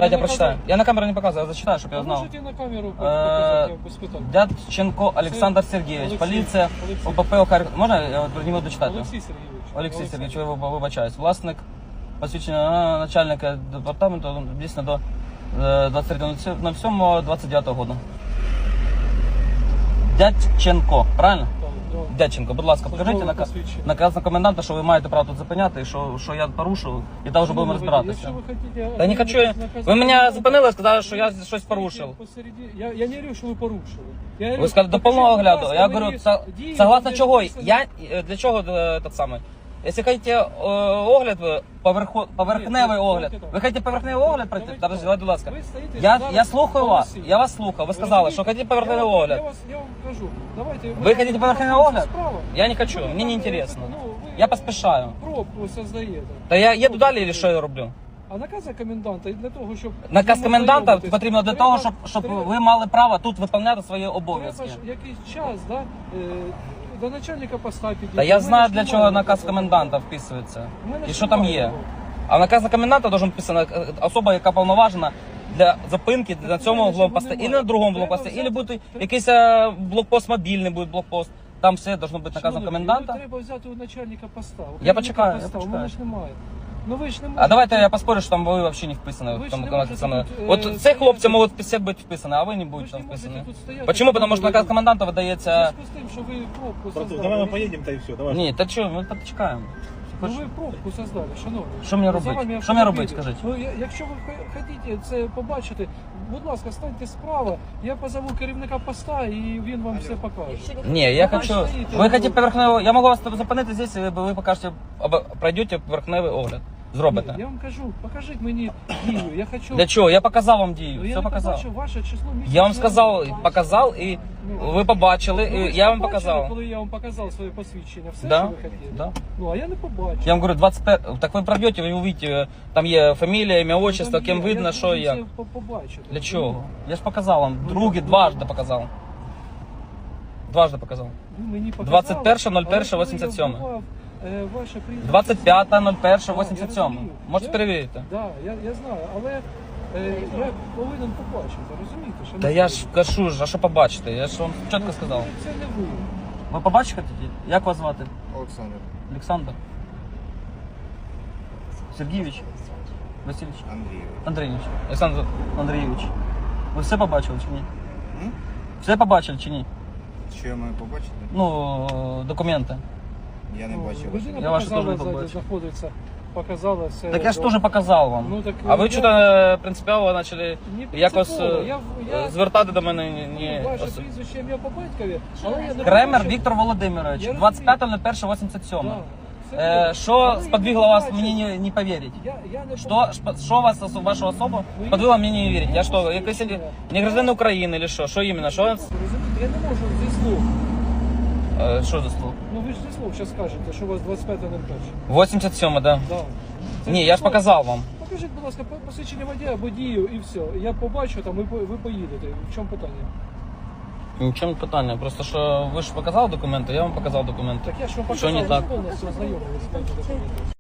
Дайте я прочитаю. Я на камеру не показываю, я зачитаю, чтобы я знал. Можете на камеру показати, без питань. Дядченко Олександр Сергійович, поліція, ОПП Охар... Можна я от не буду читати? Олексій Сергійович. Олексій Сергійович, вибачаюсь. Власник посвідчення начальника департаменту дійсно до 23.07.29 року. Дядченко, правильно? Дядченко, будь ласка, покажіть наказ на коменданта, що ви маєте право тут зупиняти, і що я порушив, і там вже будемо розбиратися. Та не хочу я. Ви мене зупинили і сказали, що я щось порушив. Я не говорю, що ви порушили. Ви сказали, до повного огляду. Я говорю, согласно чого? Я, для чого тот самий? Якщо хочете огляд, поверхневий огляд. Ви хочете поверхневий огляд пройти? Давайте, будь ласка. Я слухаю вас. Я вас слухав. Ви сказали, що хочете поверхневий огляд. Я вам кажу. Давайте. Ви хочете поверхневий огляд? Я не хочу. Мені не інтересно. Я поспішаю. Пробку создаєте. Та я їду далі, чи що я роблю? А наказ коменданта для того, щоб... Наказ коменданта потрібно для того, щоб ви мали право тут виконувати свої обов'язки. Треба ж якийсь час, да? До начальника поста підійти. Та я знаю, для чого наказ коменданта вписується. І що там є. А в наказі коменданта должен вписана особа, яка повноважена для зупинки на цьому блокпості, і на другому блокпості, або буде якийсь блокпост мобільний, буде блокпост. Там все должно бути наказом коменданта. Треба взяти у начальника поста. Я почекаю, я У почекаю. мене ж немає. Ну ви ж не можете. А давайте я поспорю, що там ви взагалі не вписані. От ці хлопці можуть всі бути вписані, а ви не будете там вписані. Почему? Потому що наказ коменданта видається... з тим, що ви пробку создали. Давай ми поїдемо, та і все. Давай. Ні, та що, ми почекаємо. Ну ви пробку создали, шановні. Що мені За робити? вами Що мені робити, автомобілі. скажіть? Ну, якщо ви хочете це побачити, будь ласка, станьте справа, я позову керівника поста і він вам все покаже. Ні, я хочу... Ви хочете поверхневий... Я можу вас зупинити здесь, і ви покажете, пройдете поверхневий огляд. Зробите. Я вам кажу, покажіть мені дію, я хочу... Для чого? Я показав вам дію, Ну, я все не показав. побачив ваше число місяця. Я вам сказав, показав, і ви побачили, Ну, ви і ж я вам побачили, показав. коли я вам показав своє посвідчення, все, Да, що ви хотіли? да. Ну, а я не побачив. Я вам говорю, 25... Так ви пройдете, ви увидите, там є фамілія, ім'я, отчество, Там ким є, видно, я що і як. це побачив. Для чого? Я ж показав вам, дважди показав. Дважди показав. Ви мені показали, 21.01.87. але коли я вбивав, ваше прізвище... 25.01.87. Можете Я- перевірити. Да, я знаю, але я повинен побачити, розумієте? Що Та я ж кажу, а що побачите? Я ж вам чітко сказав. Це не ви. Ви побачите хотіте? Як вас звати? Олександр Олександр? Сергійович? Васильович? Андрійович. Андрійович. Олександр Андрійович. Ви все побачили чи ні? М? Все побачили чи ні? Що я маю побачити? Ну, документи. Я не бачив. Людина Я вашу показала, теж не побачив. знаходиться, показала все. Так я ж теж показав вам. Ну, так, А ви я- що-то принципіально почали Не якось принципово, я звертати до мене ні. Ваше прізвище, ім'я по батькові, але я не Кремер побачив. Віктор Володимирович, Я розумію. 25.01.87. Да, це ви. Що Але я сподвигло не вас бачив. мені не повірити? Я не Що вас, вашу особу, сподвигло мені не вірити? Я що, якийсь не гражданин України, чи що? Що іменно? Що? Розумієте, я не можу зі слов. Що за слово? Ну ви ж зі слов зараз скажете, що у вас 25.01. 87, да. Да. Це Ні, я ж слов. показав вам. Покажіть, будь ласка, посвідчення водія або дію і все. Я побачу там, ви поїдете. В чому питання? Нічого не питання. Просто що ви ж показали документи, я вам показав документи. Так я ж вам Що показав, не так? повністю ознайомилися з моїми документами.